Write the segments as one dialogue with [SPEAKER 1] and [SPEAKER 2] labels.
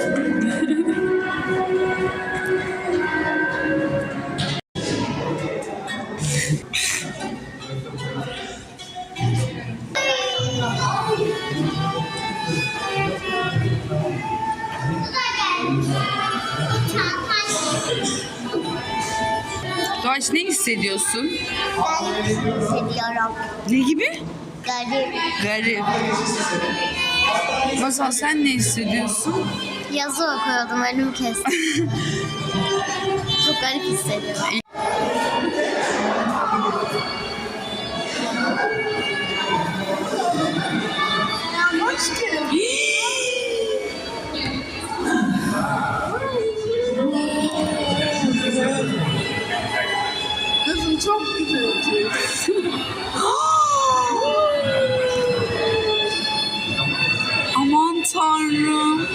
[SPEAKER 1] Doğaç, ne hissediyorsun?
[SPEAKER 2] Ben hissediyorum.
[SPEAKER 1] Ne gibi?
[SPEAKER 2] Garip.
[SPEAKER 1] Garip. Masal, sen ne hissediyorsun?
[SPEAKER 2] Yazı okuyordum, önümü kestim. Çok garip hissediyorum.
[SPEAKER 1] Kızım çok güzel. Aman Tanrım.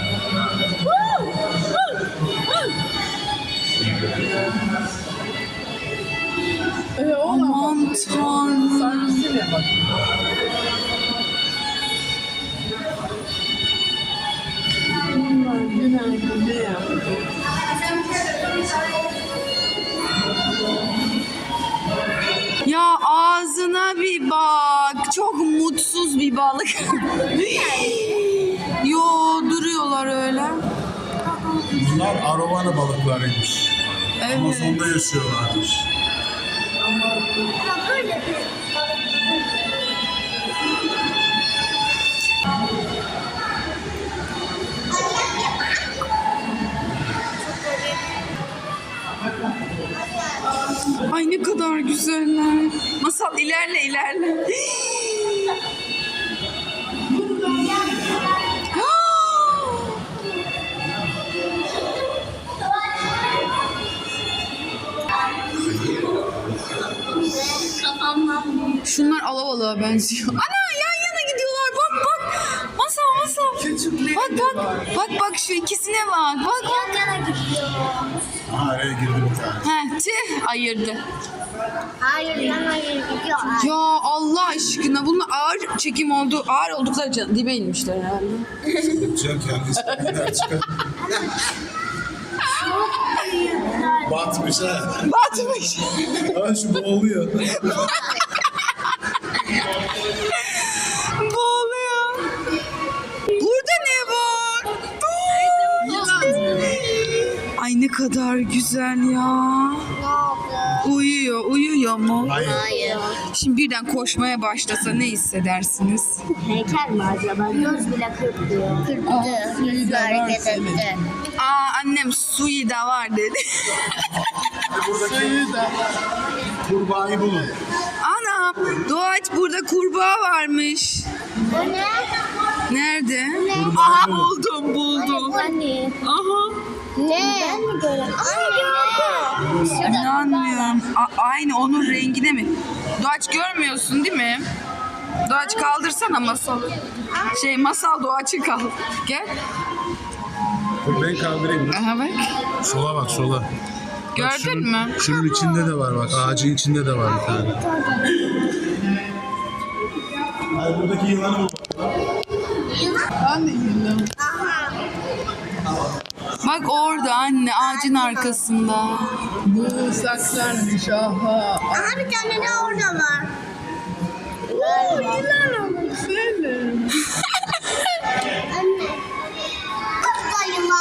[SPEAKER 1] Aman Tanrım. Ya ağzına bir bak. Çok mutsuz bir balık. Yo, duruyorlar öyle.
[SPEAKER 3] Bunlar arowana balıklarıymış.
[SPEAKER 1] Evet.
[SPEAKER 3] Amazon'da yaşıyorlarmış.
[SPEAKER 1] Ay ne kadar güzeller. Masal, ilerle ilerle. Şunlar alabalığa benziyor. Ana, yan yana gidiyorlar. Bak bak. Masal. Bak şu ikisine bak. Bak.
[SPEAKER 2] Yana gidiyor.
[SPEAKER 3] Aha, araya girdi bir tane.
[SPEAKER 1] Tüh, ayırdı.
[SPEAKER 2] Hayır, yana gidiyor.
[SPEAKER 1] Ya Allah aşkına, bunun ağır çekim oldu. Ağır oldukları için dibe inmişler herhalde.
[SPEAKER 3] Can kendisi gider çıkar. Batmış ha.
[SPEAKER 1] Batmış.
[SPEAKER 3] Ha, şu boğuluyor.
[SPEAKER 1] Boğuluyor. Burada ne var? Ay ne kadar güzel ya. Uyuyor mu?
[SPEAKER 2] Hayır.
[SPEAKER 1] Şimdi birden koşmaya başlasa ne hissedersiniz?
[SPEAKER 2] Heykel mi acaba? Göz bile kırpıyor. Kırptı. Yüzü hareket etti.
[SPEAKER 1] Annem suyu da var dedi.
[SPEAKER 3] Buradaki kurbağayı bulun.
[SPEAKER 1] Anam, Doğaç, burada kurbağa varmış.
[SPEAKER 2] Bu ne?
[SPEAKER 1] Nerede? Aha, buldum.
[SPEAKER 2] Anne.
[SPEAKER 1] Aha.
[SPEAKER 2] Ne? Ben mi gördüm? Ay,
[SPEAKER 1] İnanmıyorum. Aynı onun rengine mi? Doğaç, görmüyorsun değil mi? Doğaç, kaldırsana masalı. Masal, Doğaç'ı kaldır. Gel.
[SPEAKER 3] Dur ben kaldırayım.
[SPEAKER 1] Aha bak.
[SPEAKER 3] Sola bak sola. Bak,
[SPEAKER 1] Gördün mü?
[SPEAKER 3] Şunun içinde de var bak. Ağacın içinde de var bir tane. Hayır, buradaki yılanı bul.
[SPEAKER 1] Bak orada anne, ağacın arkasında.
[SPEAKER 4] Bu saklanmış, aha.
[SPEAKER 2] Aha, bir tane de orada var.
[SPEAKER 4] Senin.
[SPEAKER 2] Anne. Kutla yılan.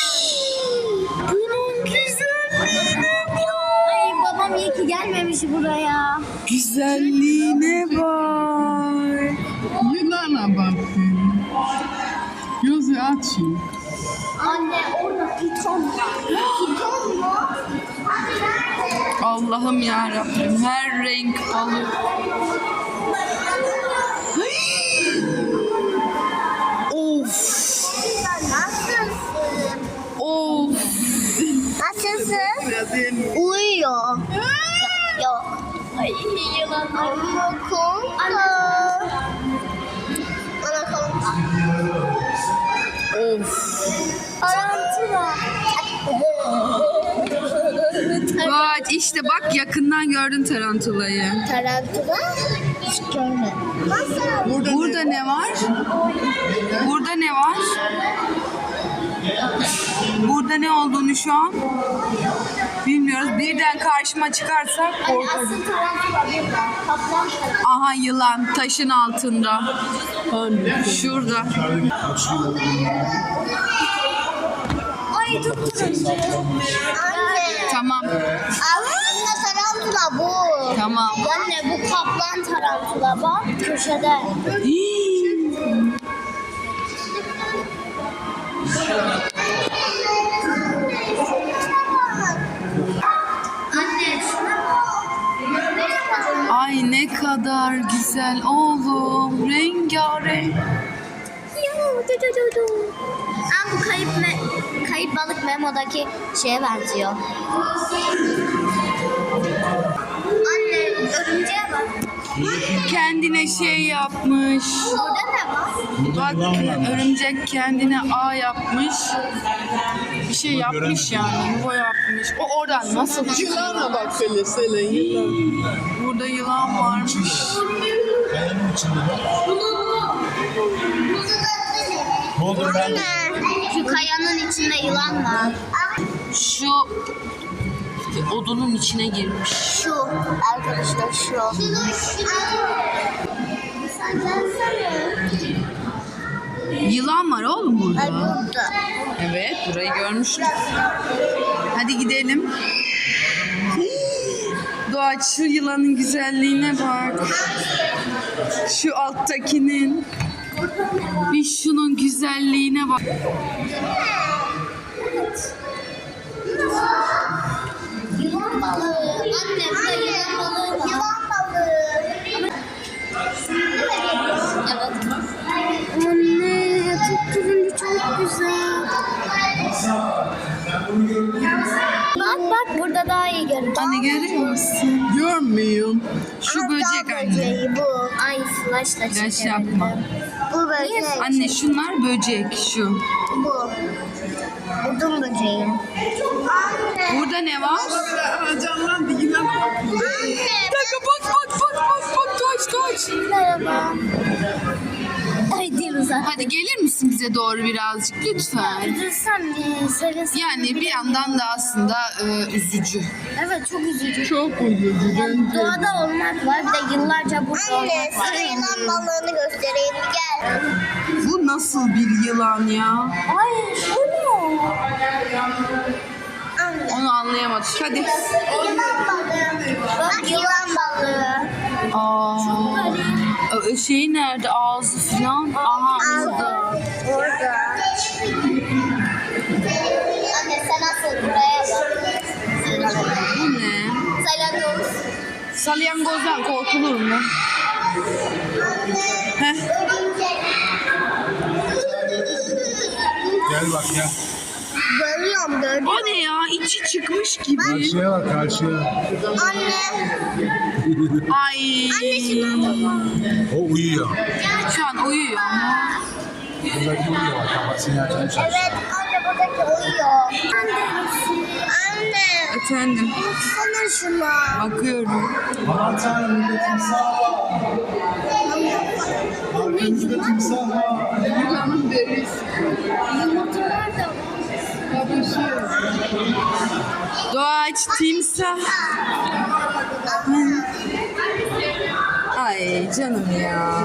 [SPEAKER 1] Bunun güzelliğine bak.
[SPEAKER 2] Ay, babam iyi ki gelmemiş buraya.
[SPEAKER 1] Güzelliğine bak.
[SPEAKER 4] Yılana bakın. Gözü açın.
[SPEAKER 2] Anne, orada piton var. Piton mu? Hadi nerede?
[SPEAKER 1] Allah'ım yarabbim, her renk balık. Of.
[SPEAKER 2] Nasılsın?
[SPEAKER 1] Of.
[SPEAKER 2] Nasılsın? Uyuyor. Yok. Ay, yılan. Ama konka. Ana konka.
[SPEAKER 1] Of.
[SPEAKER 2] Tarantula.
[SPEAKER 1] Bak işte, bak yakından gördün tarantulayı.
[SPEAKER 2] Tarantula? Hiç görmedim. Nasıl?
[SPEAKER 1] Burada ne var? Burada ne var? ne olduğunu şu an bilmiyoruz. Birden karşıma çıkarsa korkarım.
[SPEAKER 2] Asıl tarantula burada. Kaplan tarantula.
[SPEAKER 1] Aha yılan taşın altında. Şurada.
[SPEAKER 2] Ay çok turuncu. Anne.
[SPEAKER 1] Tamam.
[SPEAKER 2] Aslında tarantula bu.
[SPEAKER 1] Tamam.
[SPEAKER 2] Anne bu kaplan tarantula bak köşede. Anne şuna bak.
[SPEAKER 1] Ay ne kadar güzel oğlum. Rengarenk.
[SPEAKER 2] Ama bu kayıp balık Memo'daki şeye benziyor. Anne örümceğe bak.
[SPEAKER 1] Kendine şey yapmış.
[SPEAKER 2] Burada ne var?
[SPEAKER 1] Bak örümcek kendine ağ yapmış. Bir şey yapmış yani. Yuva yapmış. O oradan nasıl çıkıyor?
[SPEAKER 4] Yılana bak hele Selen yılan.
[SPEAKER 1] Burada yılan varmış.
[SPEAKER 3] Kayanın içinde de. Ne oldu ben?
[SPEAKER 2] Şu kayanın içinde yılan var.
[SPEAKER 1] Şu odunun içine girmiş.
[SPEAKER 2] Şu arkadaşlar şu.
[SPEAKER 1] Yılan var oğlum
[SPEAKER 2] Ay
[SPEAKER 1] burada.
[SPEAKER 2] burada.
[SPEAKER 1] Evet burayı görmüştük. Hadi gidelim. Doğaç şu yılanın güzelliğine bak. Şu alttakinin. Bir şunun güzelliğine bak.
[SPEAKER 2] Yılan balığı. Anne burada yılan balığı var. Yılan balığı. Evet. Anne çok turuncu çok güzel. Bak burada daha iyi görünüyor.
[SPEAKER 1] Anne görüyor musun?
[SPEAKER 4] Görmüyorum.
[SPEAKER 1] Şu böcek anne.
[SPEAKER 2] Böceği bu. Ay flashla
[SPEAKER 1] Flash
[SPEAKER 2] çekelim.
[SPEAKER 1] yapma.
[SPEAKER 2] Bu böcek.
[SPEAKER 1] Anne şunlar böcek şu.
[SPEAKER 2] Bu. Udum böceği.
[SPEAKER 1] Burada ne var?
[SPEAKER 4] Canlandı yılan.
[SPEAKER 1] Bir dakika bak Doğaç.
[SPEAKER 2] Merhaba. Ay dinozor.
[SPEAKER 1] Hadi gelir misin bize doğru birazcık lütfen?
[SPEAKER 2] Üzülsem sevesim.
[SPEAKER 1] Yani bir yandan da aslında üzücü.
[SPEAKER 2] Evet çok üzücü.
[SPEAKER 4] Çok üzücü.
[SPEAKER 2] Yani doğada olmak var bir de yıllarca burada olmak var.
[SPEAKER 5] Sana yılan balığını göstereyim gel.
[SPEAKER 1] Bu nasıl bir yılan ya?
[SPEAKER 2] Ay bu ne?
[SPEAKER 1] Onu anlayamadık. Hadi.
[SPEAKER 5] Yılan balığı. Bak yılan balığı.
[SPEAKER 1] Şey nerede? Ağzı falan. Aha burada.
[SPEAKER 5] Orada. Anne sen asıl buraya bak.
[SPEAKER 1] Bu ne?
[SPEAKER 5] Salyangoz.
[SPEAKER 1] Salyangozdan korkulur mu? Heh.
[SPEAKER 3] Gel bak ya.
[SPEAKER 5] Görüyorum gördüm.
[SPEAKER 1] O ne ya? İçi çıkmış gibi.
[SPEAKER 3] Karşıya bak karşıya.
[SPEAKER 5] Anne.
[SPEAKER 1] Ay.
[SPEAKER 3] O uyuyor.
[SPEAKER 1] Şu an uyuyor ama.
[SPEAKER 3] Buradaki uyuyor bak. Kafasını açmış.
[SPEAKER 5] Evet anne buradaki uyuyor. Anne.
[SPEAKER 1] Efendim.
[SPEAKER 5] Baksana şuna.
[SPEAKER 1] Bakıyorum.
[SPEAKER 3] Aman tanrım burada timsah var. Arkamızda timsah var.
[SPEAKER 4] Yılanın derisi.
[SPEAKER 2] Yumurtalar da var.
[SPEAKER 4] Kapışıyor.
[SPEAKER 1] Doğaç, timsah. Ay canım ya.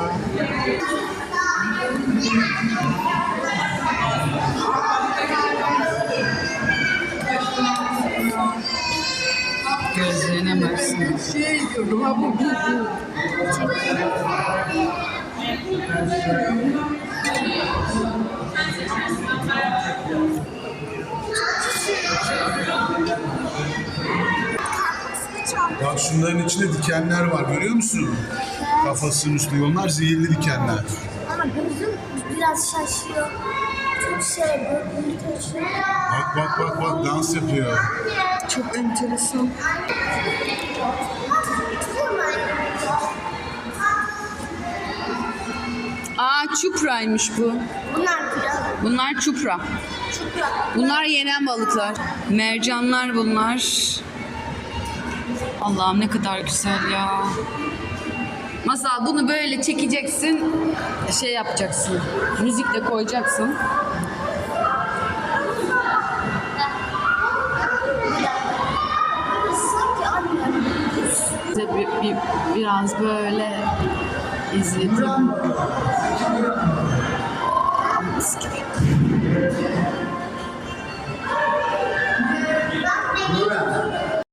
[SPEAKER 1] Gözlerine baksana.
[SPEAKER 4] Şey diyordum ha bu.
[SPEAKER 3] Bak şunların içinde dikenler var görüyor musun? Kafasının üstünde. Onlar zehirli dikenler.
[SPEAKER 2] Ama gözüm biraz şaşıyor. Çok böyle taşıyor.
[SPEAKER 3] Bak dans yapıyor.
[SPEAKER 1] Çok enteresan. Aa çupraymış bu.
[SPEAKER 2] Bunlar kral.
[SPEAKER 1] Bunlar çupra. Bunlar yenen balıklar. Mercanlar bunlar. Allah'ım ne kadar güzel ya. Masal bunu böyle çekeceksin. Şey yapacaksın. Müzik de koyacaksın. biraz böyle izledim. Oh, mis gibi.